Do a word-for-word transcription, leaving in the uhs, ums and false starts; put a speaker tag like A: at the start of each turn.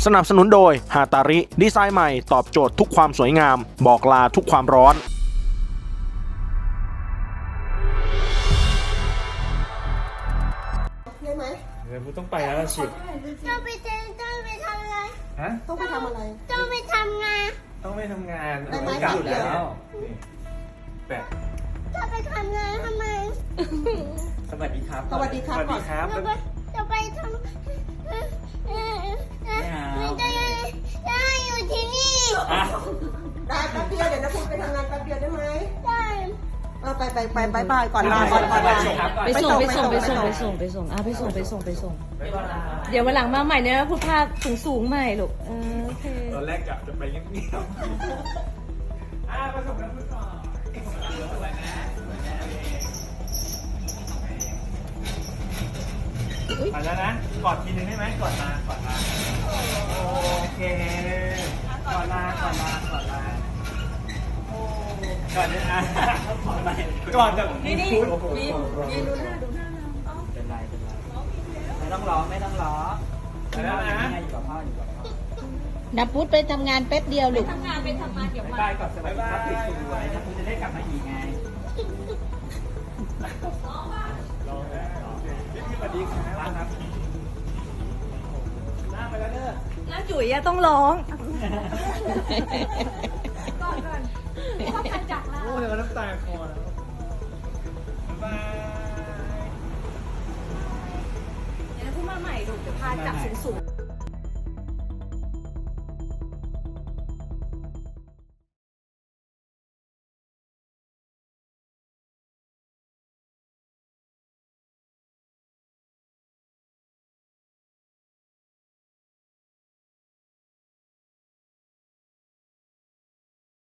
A: สนับสนุนโดยฮาตาริดีไซน์ใหม่ตอบโจทย์ทุกความสวยงามบอกลาทุกความร้อน
B: ได้ไหม
C: เดี๋ยวกูต้องไปแล้วล่ะชิ
D: ต้องไปเจอต้องไปทำอะไร
C: ฮะ
B: ต้องไปทำอะไร
D: ต้องไปทำงาน
C: ต้องไปทำงาน
B: ได้ไหม
C: กลับ
B: เดี๋ยว
C: แล้วนี่แปะ
D: จะไปทำงานทำไม
C: สวัสดีครับ
B: สวัสดีครับ
C: สวัสดีครับ
D: จะไปจะไปทำเออเออเออไม่ได้ได้อยู่ที่นี่
C: อ่ะ
B: ได้แป๊บเดียวเดี๋ยวนะคุณไปทำงานแป๊บเดียวได้ไหม
D: ได้
B: เออไปไปไปไปไปก่อนลาก่อนก่อนลา
E: ไปส่งไปส่งไปส่งไปส่งไปส่งอ่ะไปส่งไปส่งไปส่ง เดี๋ยววันหลังมาใหม่เนี่ยพูดภาพสูงสูงๆใหม่ลูกเออโอเค
C: ตอนแรกกะจะไปเงียบๆอ่ะประสบการณ์ก่อนไปแล้วนะกอดทีนึงได้ไหมกอดลากอดลาโอเคกอดลากอดลากอดลาก่อนเนี่ยอ่ะก่อนกับนี่นี่นี่นี่ดูหน้าดูหน้าน้องเป็นไรเป็นไรไม่ต้องร้องไม่ต้องร้องไปแล้วนะอยู่กับพ่ออยู่กับพ่อ
E: นับพุทธไปทำงานแป๊บเดียวลูก
C: บ๊ายบายก่อนสวัสดีครับติดสวยนะคุณจะได้กลับมาอีกไงสวัสดีครับหน้าไปแล้วเด้อ
E: แล้วจุ๋ยอะต้องร้อง
C: โอ้ยน้ำตาคอแล้วบ๊ายบาย
E: เดี๋ยวพูดมาใหม่ลูกเดี๋ยวพาจับสูงสูง